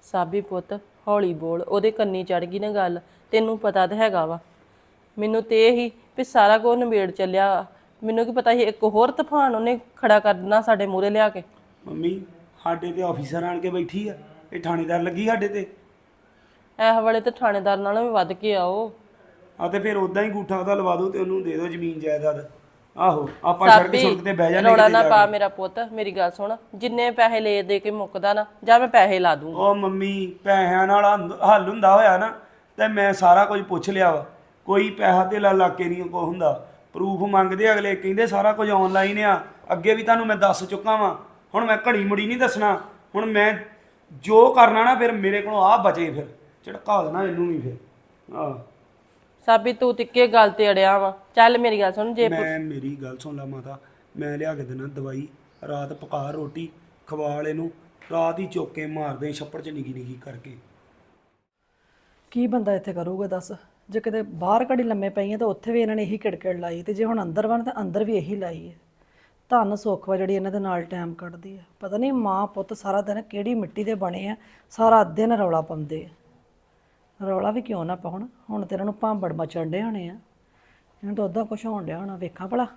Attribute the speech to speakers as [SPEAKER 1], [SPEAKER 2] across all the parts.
[SPEAKER 1] ਸਾਬੀ ਪੁੱਤ ਹੌਲੀ ਬੋਲ, ਉਹਦੇ ਕੰਨੀ ਚੜ ਗਈ ਨਾ ਗੱਲ। ਤੈਨੂੰ ਪਤਾ ਤਾਂ ਹੈਗਾ ਵਾ। ਮੈਨੂੰ ਤੇ ਇਹ ਹੀ ਵੀ ਸਾਰਾ ਕੁਝ ਨਿਬੇੜ ਚੱਲਿਆ। ਮੈਨੂੰ ਕੀ ਪਤਾ ਸੀ ਇੱਕ ਹੋਰ ਤੂਫਾਨ ਉਹਨੇ ਖੜਾ ਕਰ ਦੇਣਾ ਸਾਡੇ ਮੂਹਰੇ ਲਿਆ ਕੇ।
[SPEAKER 2] ਮੰਮੀ ਸਾਡੇ ਤੇ ਆਫੀਸਰ ਆਣ ਕੇ ਬੈਠੀ ਆ, ਇਹ ਥਾਣੇਦਾਰ ਲੱਗੀ ਸਾਡੇ ਤੇ।
[SPEAKER 1] ਇਸ ਵੇਲੇ ਤੇ ਥਾਣੇਦਾਰ ਨਾਲੋਂ ਵੀ ਵੱਧ ਕੇ ਆਓ।
[SPEAKER 2] ਆ ਤੇ ਫਿਰ ਉਦਾਂ ਹੀ ਗੂਠਾ ਉਹਦਾ ਲਵਾ ਦਿਓ ਤੇ ਉਹਨੂੰ ਦੇ ਦਿਓ ਜ਼ਮੀਨ ਜਾਇਦਾਦ। ਆਹੋ ਆਪਾਂ ਸੜਕ
[SPEAKER 1] ਸਾਬੀ
[SPEAKER 2] ਸੁੜਕ ਤੇ ਬਹਿ ਜਾਂਦੇ
[SPEAKER 1] ਰੌਲਾ
[SPEAKER 2] ਕਿਤੇ
[SPEAKER 1] ਨਾ
[SPEAKER 2] ਜਾ
[SPEAKER 1] ਪਾ
[SPEAKER 2] ਕੇ।
[SPEAKER 1] ਮੇਰਾ ਪੁੱਤ, ਮੇਰੀ ਗੱਲ ਸੁਣ। ਜਿੰਨੇ ਪੈਸੇ ਲੈ ਦੇ ਕੇ ਮੁੱਕਦਾ ਨਾ, ਜਾਂ ਮੈਂ ਪੈਸੇ ਲਾ ਦੂੰਗਾ।
[SPEAKER 2] ਉਹ ਮੰਮੀ ਪੈਸਿਆਂ ਨਾਲ ਹੱਲ ਹੁੰਦਾ ਹੋਇਆ ਨਾ ਤੇ ਮੈਂ ਸਾਰਾ ਕੁਝ ਪੁੱਛ ਲਿਆ ਵਾ। ਕੋਈ ਪੈਸਾ ਧੇਲਾ ਲਾ ਕੇ ਨਹੀਂ ਕੋ ਹੁੰਦਾ। ਪ੍ਰੂਫ ਮੰਗਦੇ ਅਗਲੇ, ਕਹਿੰਦੇ ਸਾਰਾ ਕੁਝ ਆਨਲਾਈਨ ਆ। ਅੱਗੇ ਵੀ ਤੁਹਾਨੂੰ ਮੈਂ ਦੱਸ ਚੁੱਕਾ ਵਾਂ। ਹੁਣ ਮੈਂ ਘੜੀ ਮੁੜੀ ਨਹੀਂ ਦੱਸਣਾ। ਹੁਣ ਮੈਂ ਜੋ ਕਰਨਾ ਨਾ ਫਿਰ ਮੇਰੇ ਕੋਲੋਂ ਆ ਬਚੇ, ਫਿਰ ਝੜਕਾ ਦੇਣਾ ਇਹਨੂੰ ਵੀ ਫਿਰ। ਆਹ
[SPEAKER 1] ਸਾਬੀ ਤੂੰ ਤਿੱਕੇ ਗੱਲ ਤੇ ਅੜਿਆ ਵਾ। ਚੱਲ ਮੇਰੀ ਗੱਲ ਸੁਣ, ਜੇ
[SPEAKER 2] ਮੈਂ ਮੇਰੀ ਗੱਲ ਸੁਣ ਲਾ ਮਾਤਾ, ਮੈਂ ਲਿਆ ਕੇ ਦੇਣਾ ਦਵਾਈ। ਰਾਤ ਪਕਾ ਰੋਟੀ ਖਵਾ ਇਹਨੂੰ, ਰਾਤ ਹੀ ਚੁੱਕ ਕੇ ਮਾਰਦੇ ਛੱਪੜ 'ਚ ਨਿੱਕੀ ਨਿੱਕੀ ਕਰਕੇ।
[SPEAKER 3] ਕੀ ਬੰਦਾ ਇੱਥੇ ਕਰੂਗਾ ਦੱਸ? ਜੇ ਕਿਤੇ ਬਾਹਰ ਘੜੀ ਲੰਮੇ ਪਈ ਆ ਤਾਂ ਉੱਥੇ ਵੀ ਇਹਨਾਂ ਨੇ ਇਹੀ ਕਿੜਕਿੜ ਲਾਈ, ਤੇ ਜੇ ਹੁਣ ਅੰਦਰ ਵਣ ਤਾਂ ਅੰਦਰ ਵੀ ਇਹੀ ਲਾਈ ਹੈ। ਧੰਨ ਸੁੱਖ ਵਾ ਜਿਹੜੀ ਇਹਨਾਂ ਦੇ ਨਾਲ ਟਾਈਮ ਕੱਢਦੀ ਆ। ਪਤਾ ਨਹੀਂ ਮਾਂ ਪੁੱਤ ਸਾਰਾ ਦਿਨ ਕਿਹੜੀ ਮਿੱਟੀ ਦੇ ਬਣੇ ਆ, ਸਾਰਾ ਦਿਨ ਰੌਲਾ ਪਾਉਂਦੇ ਆ। ਰੌਲਾ ਵੀ ਕਿਉਂ ਨਾ ਪਾਉਣ, ਹੁਣ ਤੇ ਇਹਨਾਂ ਨੂੰ ਭਾਂਬੜ ਮਚਣ ਡੇ ਹੋਣੇ ਆ। ਇਹਨਾਂ ਤੋਂ ਉੱਦਾਂ ਕੁਛ ਹੋਣ ਡਿਆ ਹੋਣਾ, ਵੇਖਾਂ ਭਲਾ।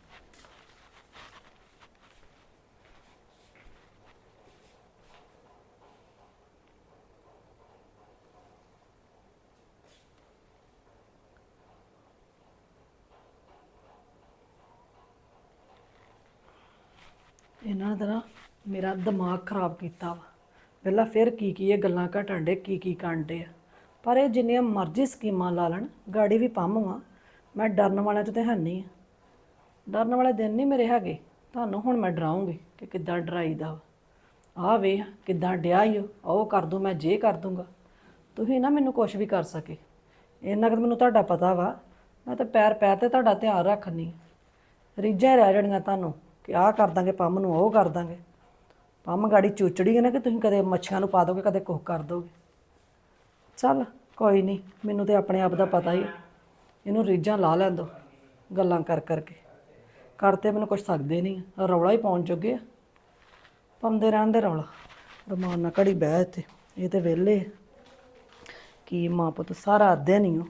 [SPEAKER 3] ਇਹਨਾਂ ਦਾ ਨਾ ਮੇਰਾ ਦਿਮਾਗ ਖਰਾਬ ਕੀਤਾ ਵਾ। ਪਹਿਲਾਂ ਫਿਰ ਕੀ ਇਹ ਗੱਲਾਂ ਘਟਣ ਡੇ, ਕੀ ਕਰਨ ਡੇ ਆ। ਪਰ ਇਹ ਜਿੰਨੀਆਂ ਮਰਜ਼ੀ ਸਕੀਮਾਂ ਲਾ ਲੈਣ, ਗਾੜੀ ਵੀ ਪੰਮ ਵਾਂ। ਮੈਂ ਡਰਨ ਵਾਲਿਆਂ 'ਚ ਤਾਂ ਹੈ ਨਹੀਂ ਆ। ਡਰਨ ਵਾਲੇ ਦਿਨ ਨਹੀਂ ਮੇਰੇ ਹੈਗੇ। ਤੁਹਾਨੂੰ ਹੁਣ ਮੈਂ ਡਰਾਉਂਗੀ ਕਿ ਕਿੱਦਾਂ ਡਰਾਈਦਾ ਵਾ। ਆਹ ਵੇਖ ਕਿੱਦਾਂ ਡਿਆ ਈ ਉਹ ਕਰ ਦੂੰ, ਮੈਂ ਜੇ ਕਰ ਦੂੰਗਾ। ਤੁਸੀਂ ਨਾ ਮੈਨੂੰ ਕੁਛ ਵੀ ਕਰ ਸਕੇ, ਇੰਨਾ ਕੁ ਮੈਨੂੰ ਤੁਹਾਡਾ ਪਤਾ ਵਾ। ਮੈਂ ਤਾਂ ਪੈਰ ਪੈਰ ਤੇ ਤੁਹਾਡਾ ਧਿਆਨ ਰੱਖਣੀ। ਰੀਝਾਂ ਰਹਿ ਜਾਣੀਆਂ ਤੁਹਾਨੂੰ ਕਿ ਆਹ ਕਰ ਦਾਂਗੇ ਪੰਮ ਨੂੰ, ਉਹ ਕਰ ਦਾਂਗੇ। ਪੰਮ ਗਾੜੀ ਚੂਚੜੀ ਹੈ ਨਾ ਕਿ ਤੁਸੀਂ ਕਦੇ ਮੱਛੀਆਂ ਨੂੰ ਪਾ ਦੋਗੇ, ਕਦੇ ਕੁਛ ਕਰ ਦੋਗੇ। ਚੱਲ ਕੋਈ ਨਹੀਂ, ਮੈਨੂੰ ਤਾਂ ਆਪਣੇ ਆਪ ਦਾ ਪਤਾ ਹੀ। ਇਹਨੂੰ ਰੀਝਾਂ ਲਾ ਲੈਣ ਦਿਓ ਗੱਲਾਂ ਕਰ ਕਰਕੇ। ਕਰਤੇ ਮੈਨੂੰ ਕੁਛ ਸਕਦੇ ਨਹੀਂ, ਰੌਲਾ ਹੀ ਪਾਉਣ ਜੋਗੇ ਆ। ਪਾਉਂਦੇ ਰਹਿਣ ਦੇ ਰੌਲਾ। ਰਮਾਨ ਨਾਲ ਘੜੀ ਬਹਿ ਇੱਥੇ, ਇਹ ਤਾਂ ਵਿਹਲੇ ਕੀ ਮਾਂ ਪੁੱਤ ਸਾਰਾ ਦਿਨ ਹੀ।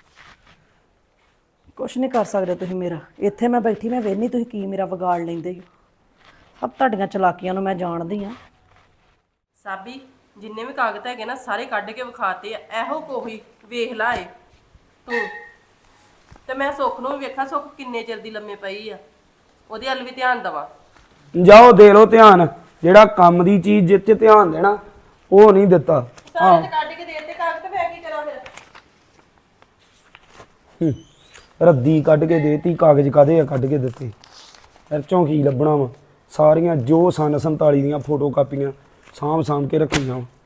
[SPEAKER 3] ਕੁਛ ਨਹੀਂ ਕਰ ਸਕਦੇ ਤੁਸੀਂ ਮੇਰਾ। ਇੱਥੇ ਮੈਂ ਬੈਠੀ, ਮੈਂ ਵੇਖਦੀ ਤੁਸੀਂ ਕੀ ਮੇਰਾ ਵਿਗਾੜ ਲੈਂਦੇ ਹੋ। ਸਭ ਤੁਹਾਡੀਆਂ ਚਲਾਕੀਆਂ ਨੂੰ ਮੈਂ ਜਾਣਦੀ ਹਾਂ।
[SPEAKER 1] ਸਾਬੀ ਜਿੰਨੇ ਵੀ ਕਾਗਜ਼ ਹੈਗੇ ਨਾ ਸਾਰੇ ਕੱਢ ਕੇ ਵਿਖਾਤੇ ਆ। ਇਹੋ ਕੋਈ ਵੇਖ ਲਾਏ ਤੂੰ ਤੇ ਮੈਂ ਸੁੱਖ ਨੂੰ ਵੀ ਵੇਖਾਂ। ਸੁੱਖ ਕਿੰਨੇ ਚਿਰ ਦੀ ਲੰਮੇ ਪਈ ਆ, ਉਹਦੇ ਵੱਲ ਵੀ ਧਿਆਨ ਦੇਵਾਂ।
[SPEAKER 2] ਜਾਓ ਦੇ ਲਓ ਧਿਆਨ। ਜਿਹੜਾ ਕੰਮ ਦੀ ਚੀਜ਼ ਜਿੱਤ 'ਚ ਧਿਆਨ ਦੇਣਾ ਉਹ ਨਹੀਂ ਦਿੱਤਾ।
[SPEAKER 1] ਸਾਰੇ ਤੇ ਕੱਢ ਕੇ ਦੇ ਤੇ ਕਾਗਜ਼, ਤੇ ਮੈਂ ਕੀ ਕਰਾਂ ਫਿਰ?
[SPEAKER 2] ਰੱਦੀ ਕੱਢ ਕੇ ਦੇਤੀ, ਕਾਗਜ਼ ਕਾਦੇ ਆ ਕੱਢ ਕੇ ਦਿੱਤੇ। ਫਿਰ ਚੋਂ ਕੀ ਲੱਭਣਾ ਵਾ? ਸਾਰੀਆਂ ਜੋ ਸਨ 47 ਦੀਆਂ ਫੋਟੋ ਕਾਪੀਆਂ ਸਾਂਭ ਕੇ ਰੱਖੀਆਂ ਵਾ।